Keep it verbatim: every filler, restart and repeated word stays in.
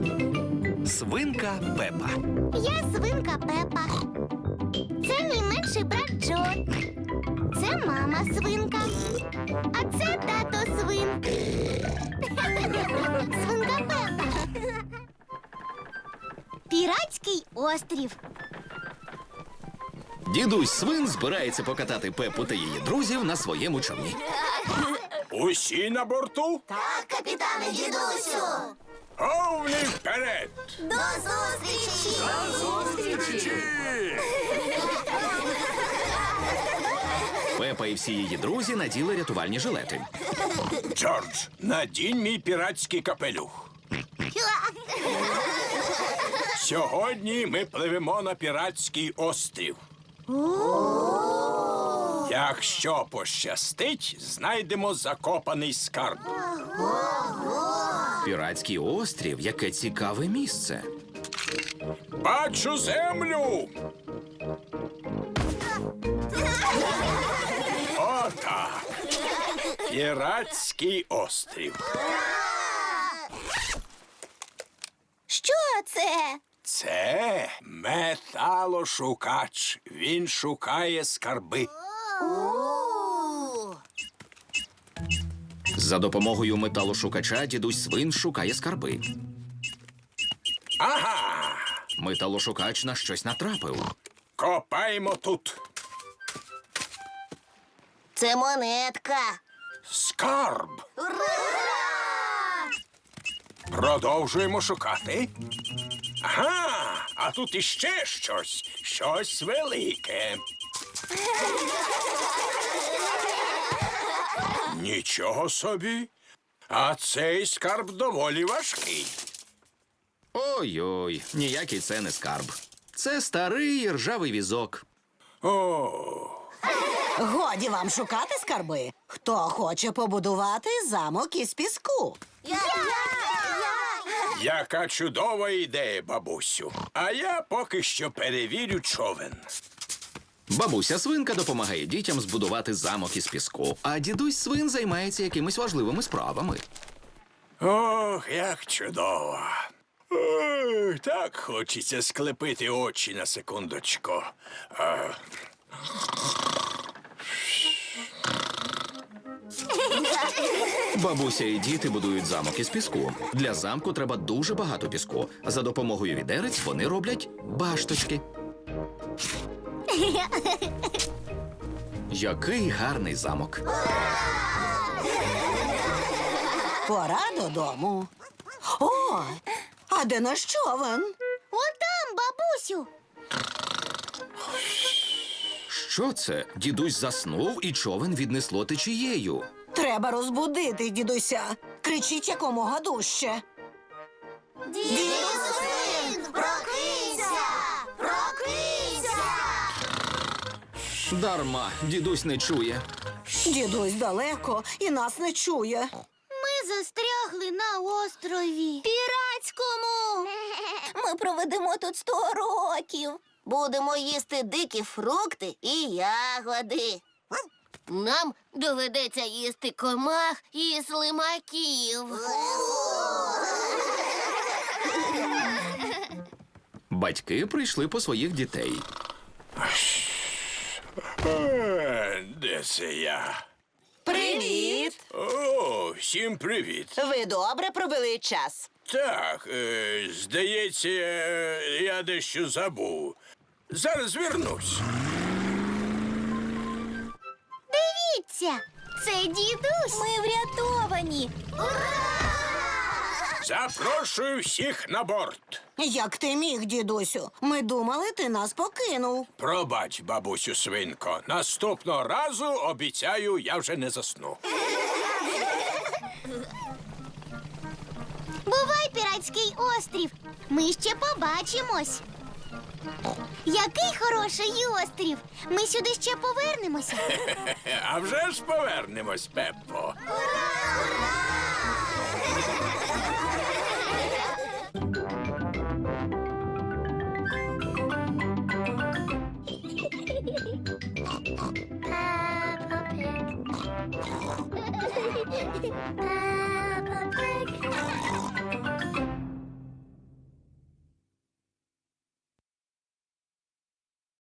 Свинка Пепа. Я свинка Пепа. Це мій менший брат Джо. Це мама свинка. А це тато свин. Свинка Пепа. Піратський острів. Дідусь свин збирається покатати Пепу та її друзів на своєму човні. Усі на борту? Так, капітане дідусю. Повний вперед! До зустрічі! Зустрічі! Пепа і всі її друзі наділи рятувальні жилети. Джордж, надінь мій піратський капелюх. Сьогодні ми пливемо на піратський острів. Якщо пощастить, знайдемо закопаний скарб. Піратський острів – яке цікаве місце. Бачу землю! Отак. Піратський острів. Що це? Це металошукач. Він шукає скарби. За допомогою металошукача дідусь свин шукає скарби. Ага! Металошукач на щось натрапив. Копаємо тут. Це монетка. Скарб. Ура! Продовжуємо шукати. Ага, а тут іще щось. Щось велике. Нічого собі. А цей скарб доволі важкий. Ой-ой, ніякий це не скарб. Це старий ржавий візок. О, Годі вам шукати скарби. Хто хоче побудувати замок із піску? Я! яка чудова ідея, бабусю. А я поки що перевірю човен. Бабуся свинка допомагає дітям збудувати замок із піску, а дідусь свин займається якимись важливими справами. Ох, як чудово. Ох, так хочеться склепити очі на секундочку. А... Бабуся і діти будують замок із піску. Для замку треба дуже багато піску. За допомогою відерець вони роблять башточки. Який гарний замок. Пора додому. О, а де наш човен? Отам, бабусю. Що це? Дідусь заснув і човен віднесло течією. Треба розбудити дідуся. Кричіть якомога дужче. Дідусин, прокинься! Прокинься! Дарма, дідусь не чує. Дідусь далеко і нас не чує. Ми застрягли на острові. Піратському. Ми проведемо тут сто років. Будемо їсти дикі фрукти і ягоди. Нам доведеться їсти комах і слимаків. Батьки прийшли по своїх дітей. Е, Де це я? Привіт! О, всім привіт. Ви добре провели час. Так, е, здається, е, я дещо забув. Зараз вернусь. Дивіться, це дідусь. Ми врятовані. Ура! Запрошую всіх на борт. Як ти міг, дідусю? Ми думали, ти нас покинув. Пробач, бабусю свинко. Наступного разу, обіцяю, я вже не засну. Бувай, піратський острів. Ми ще побачимось. Який хороший острів. Ми сюди ще повернемося. А вже ж повернемось, Пеппо. Peppa Pig.